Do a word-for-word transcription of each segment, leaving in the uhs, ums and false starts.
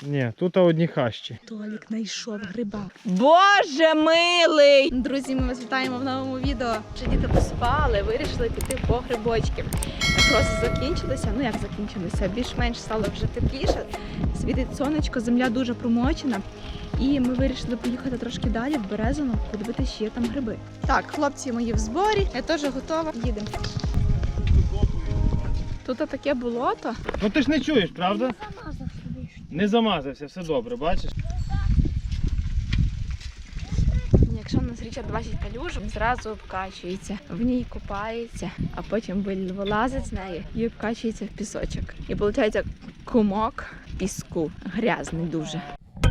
Ні, тут одні хащі. Толік знайшов гриба. Боже милий! Друзі, ми вас вітаємо в новому відео. Вже діти поспали, вирішили піти по грибочки. Морози закінчилися, ну як закінчилися, більш-менш стало вже тепліше. Світить сонечко, земля дуже промочена. І ми вирішили поїхати трошки далі в Березино, подивитися, чи є там гриби. Так, хлопці мої в зборі, я теж готова. Їдемо. Тут таке болото. Ну ти ж не чуєш, правда? Не замазався, все добре, бачиш? Якщо в нас річка двадцять калюжок, зразу обкачується, в ній купається, а потім вилазить з неї і обкачується в пісочок. І виходить кумок піску, грязний дуже.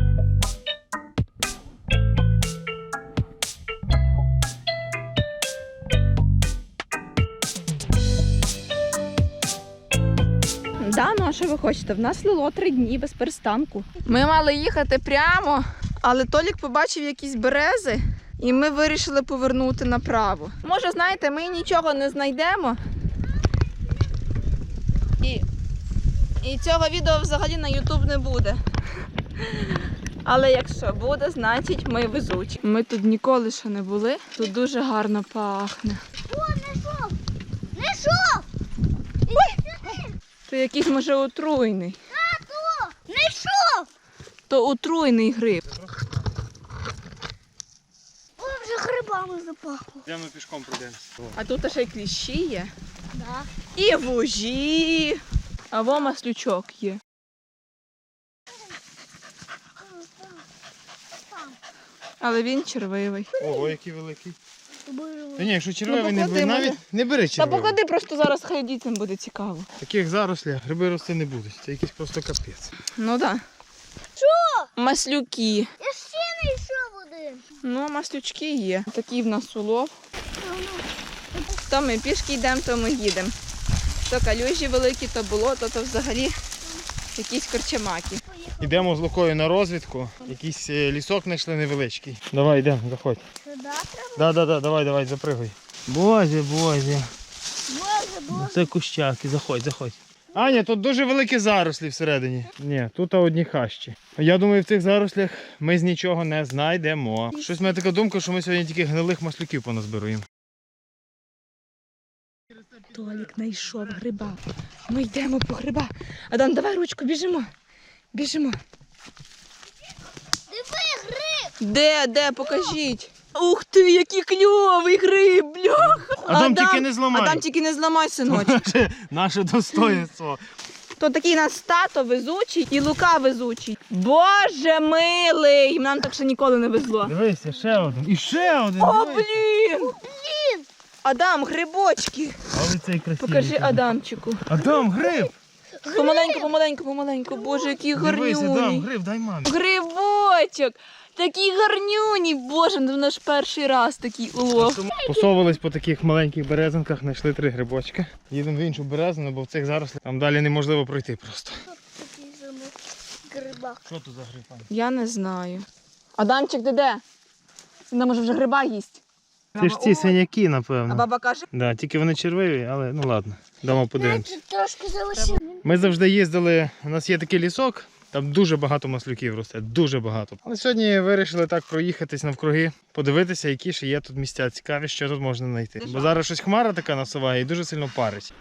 Да, ну а що ви хочете? В нас лило три дні без перестанку. Ми мали їхати прямо, але Толік побачив якісь берези, і ми вирішили повернути направо. Може, знаєте, ми нічого не знайдемо. І, і цього відео взагалі на ютуб не буде. Але якщо буде, значить ми везучі. Ми тут ніколи ще не були. Тут дуже гарно пахне. О, знайшов! Знайшов! То якийсь, може, отруйний. Тату! Знайшов! То отруйний гриб. О, вже грибами запахло. Йдемо пішком пройдемо. А тут ще й кліщі є. Да. І вужі. А во маслючок є. Але він червивий. Ого, який великий. Боже. Та ні, якщо червивий, Ну, не, поклади, бери, навіть може. не бери Та червивий. поклади, просто зараз хай дітям буде цікаво. Таких зарослях гриби рости не будуть. Це якийсь просто капець. Ну так. Да. Що? Маслюки. Я ще знайшов один. Ну, маслючки є. Такий в нас улов. То ми пішки йдемо, то ми їдемо. То калюжі великі, то болото, то взагалі якісь корчамаки. Йдемо з Лукою на розвідку. Якийсь е, лісок знайшли невеличкий. Давай, йдемо, заходь. Сюди треба? Да, да, да, давай, давай, запригуй. Боже, боже. Боже, боже. Це кущаки, заходь, заходь. Аня, тут дуже великі зарослі всередині. Ні, тут одні хащі. Я думаю, в цих зарослях ми з нічого не знайдемо. Щось в мене така думка, що ми сьогодні тільки гнилих маслюків поназбируємо. Толік знайшов гриба. Ми йдемо по гриба. Адам, давай ручку, біжимо. Біжимо. Диви, гриб! Де, де, покажіть. Ух ти, який кльовий гриб, бляха. Адам, тільки не зламай. Адам, тільки не зламай, синочок. Наше достоїнство. То такий нас тато везучий і Лука везучий. Боже милий! Нам так ще ніколи не везло. Дивися, ще один. І ще один. О, дивися. блін! Блін! Адам, грибочки. Але цей красивий. Покажи Адамчику. Адам, гриб. Помаленьку, помаленьку, помаленьку. Боже, який Дивися, Адам, гарнюний. гриб, дай мамі. Грибочок! Такий гарнюній. Боже, це наш перший раз такий улов. Посовувались по таких маленьких березинках, знайшли три грибочки. Їдемо в іншу березину, бо в цих зарослях там далі неможливо пройти просто. Такий самий грибак. Що тут за гриб, Аня? Я не знаю. Адамчик, ти де? Вона може вже гриба їсть. Це ж ці синяки, А напевно. баба каже, Да, тільки вони червиві, але ну ладно, дамо подивимось. Тут трошки залишив. Ми завжди їздили, у нас є такий лісок, там дуже багато маслюків росте, дуже багато. Але сьогодні вирішили так проїхатись навкруги, подивитися, які ще є тут місця цікаві, що тут можна знайти. Бо зараз щось хмара така насуває і дуже сильно парить.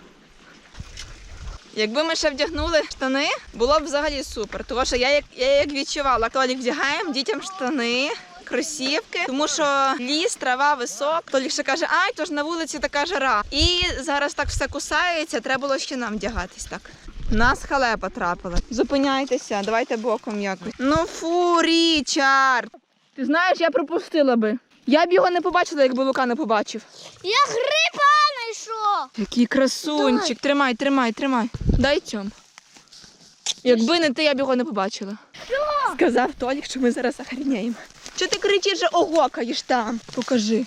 якби ми ще вдягнули штани, було б взагалі супер. Тому що я як, я як відчувала, Толік вдягаємо дітям штани, кросівки, тому що ліс, трава, висок. Толік ще каже, ай, то ж на вулиці така жара. І зараз так все кусається, треба було ще нам вдягатись так. Нас халепа трапила. Зупиняйтеся, давайте боком якось. Ну фу, Річард! Ти знаєш, я пропустила би. Я б його не побачила, якби Лука не побачив. Я гриба знайшов. Який красунчик. Тримай, тримай, тримай. Дай цьому. Якби не ти, я б його не побачила. Що? Сказав Толік, що ми зараз охреняємо. Що ти кричиш, що огокаєш там? Покажи.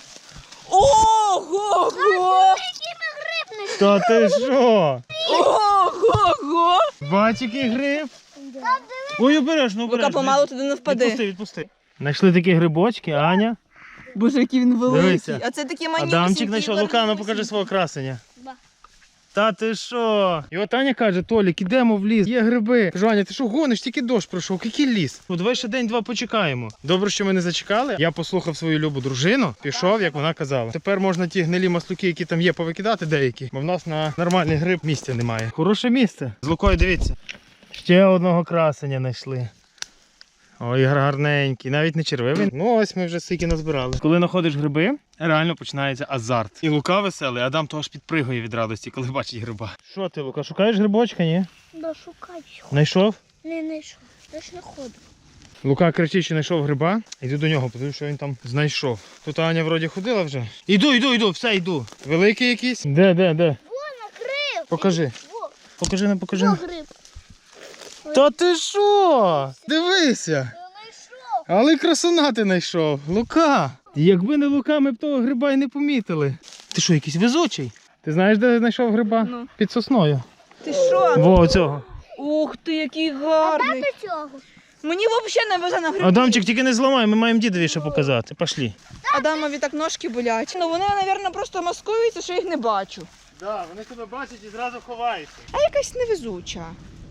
Ого-го! Який ми гриб знайшов? Та ти що? Ого-го! Бач, який гриб? Да. Ой, обережно, Лука, обережно. помалу туди не впади. Відпусти, відпусти. Знайшли такі грибочки, Аня. Боже, який він великий. Дивися. А це такі манюсінькі. Адамчик знайшов. Лука, ну гарнюсінькі. покажи свого красення. Ба. Та ти що? І от Аня каже, Толік, ідемо в ліс, є гриби. Кажу, Аня, ти що гониш, тільки дощ пройшов, який ліс? Ну давай ще день-два почекаємо. Добре, що ми не зачекали. Я послухав свою любу дружину, пішов, як вона казала. Тепер можна ті гнилі маслюки, які там є, повикидати деякі, бо в нас на нормальний гриб місця немає. Хороше місце. З Лукою, дивіться. Ще одного красення знайшли. Ой, гарненький, навіть не червивий. Ну ось ми вже стільки назбирали. Коли знаходиш гриби, реально починається азарт. І Лука веселий, Адам то аж підпригує від радості, коли бачить гриба. Що ти, Лука, шукаєш грибочка, ні? Да, шукай. Знайшов? Не знайшов. Я ж не ходу. Лука кричить, що знайшов гриба. Іду до нього, подивлюсь, що він там знайшов. Тут Аня вроді ходила вже. Іду, іду, іду, все, йду. Великий якийсь? Де, де, де? Вон, гриб. Покажи. Во, Покажи, не покажи. во гриб. Та ти що? Дивися. Я знайшов. Але красуна ти знайшов. Лука. Якби не Лука, ми б того гриба й не помітили. Ти що, якийсь везучий? Ти знаєш, де знайшов гриба? Ну. Під сосною. Ти що? Во, цього. Ух ти, який А гарний. до цього? Мені взагалі не везе на гриби. Адамчик, тільки не зламай, ми маємо дідові ще показати. Пошли. Адамові так ножки болять. Ну вони, мабуть, просто маскуються, що їх не бачу. Так, вони тебе бачать і зразу ховаються. А якась невезуча.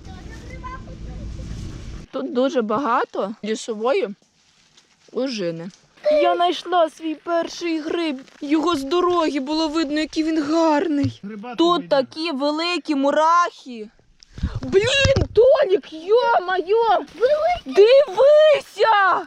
Тут дуже багато лісової ожини. Я знайшла свій перший гриб. Його з дороги було видно, який він гарний. Гриба Тут такі великі мурахи. Блін, Толік, йо-моє! Дивися!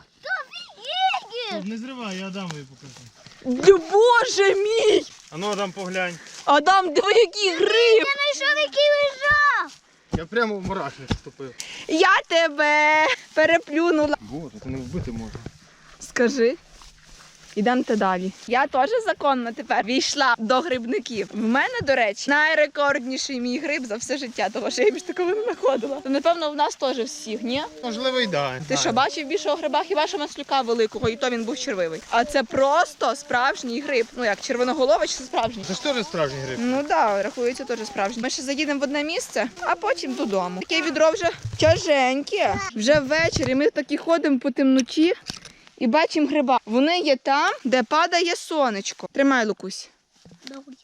Не зривай, я Адамові покажу. Да, Боже мій! А ну, Адам, поглянь. Адам, диви, який гриб! Я знайшов, який лежав. Я прямо в мурахи вступив. Я тебе переплюнула. Боже, ти не вбити можна. Скажи. Ідемте далі. Я теж законно тепер війшла до грибників. В мене, до речі, найрекордніший мій гриб за все життя, тому що я більш такого не знаходила. То, напевно, в нас теж всіх, ні? Можливо, і да. Ти що, бачив більшого гриба? Хіба що маслюка великого, і то він був червивий. А це просто справжній гриб. Ну як, червоноголовий чи справжній? Це ж теж справжній гриб. Ну так, да, рахується теж справжній. Ми ще заїдемо в одне місце, а потім додому. Таке відро вже тяженьке. Вже ввечері ми такі ходимо по темноті і бачимо гриба. Вони є там, де падає сонечко. Тримай, Лукусь. Добре.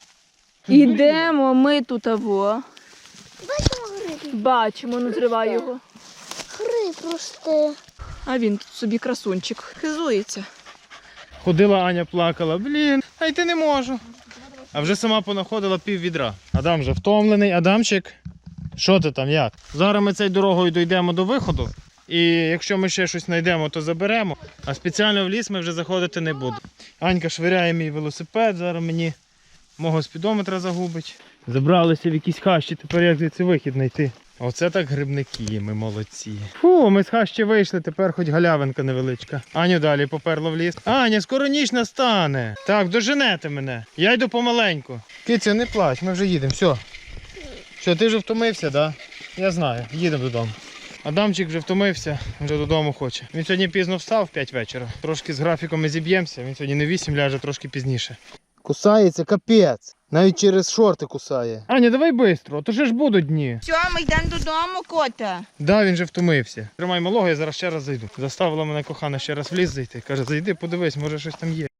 Ідемо ми тут аво. Бачимо гриб. Бачимо, не зривай його. Гриб просто. А він тут собі красунчик. Хизується. Ходила Аня, плакала. Блін, а йти не можу. А вже сама понаходила пів відра. Адам вже втомлений. Адамчик, що ти там, як? Зараз ми цією дорогою дійдемо до виходу. І якщо ми ще щось знайдемо, то заберемо. А спеціально в ліс ми вже заходити не будемо. Анька швиряє мій велосипед, зараз мені мого спідометра загубить. Забралися в якісь хащі, тепер як звідси вихід знайти. Оце так грибники, ми молодці. Фу, ми з хащі вийшли, тепер хоч галявинка невеличка. Аню далі поперла в ліс. Аня, скоро ніч настане. Так, доженете мене. Я йду помаленьку. Киця, не плач, ми вже їдемо, все. Що, ти вже втомився, так? Да? Я знаю, їдемо додому. Адамчик вже втомився, вже додому хоче. Він сьогодні пізно встав в п'ять вечора. Трошки з графіком ми зіб'ємося, він сьогодні не вісім ляже, трошки пізніше. Кусається капець. Навіть через шорти кусає. Аня, давай швидко, а то ж будуть дні. Все, ми йдемо додому, кота. Да, він же втомився. Тримай малого, я зараз ще раз зайду. Заставила мене кохана ще раз в ліс зайти. Каже, зайди, подивись, може щось там є.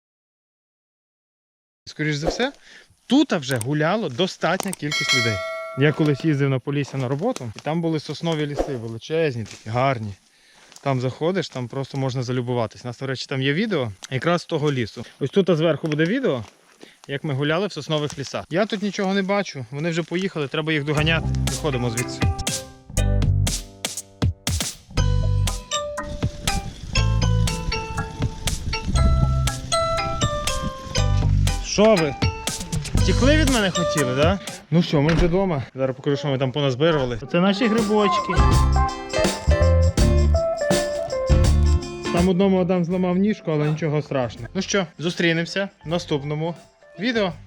Скоріш за все, тут вже гуляло достатня кількість людей. Я колись їздив на Полісся на роботу, і там були соснові ліси, величезні, такі гарні. Там заходиш, там просто можна залюбуватись. У нас, до речі, там є відео якраз з того лісу. Ось тут зверху буде відео, як ми гуляли в соснових лісах. Я тут нічого не бачу, вони вже поїхали, треба їх доганяти. Виходимо звідси. Що ви? Тікли від мене хотіли, так? Да? Ну що, ми вже вдома. Зараз покажу, що ми там поназбирували. Це наші грибочки. Там одному Адам зламав ніжку, але нічого страшного. Ну що, зустрінемося в наступному відео.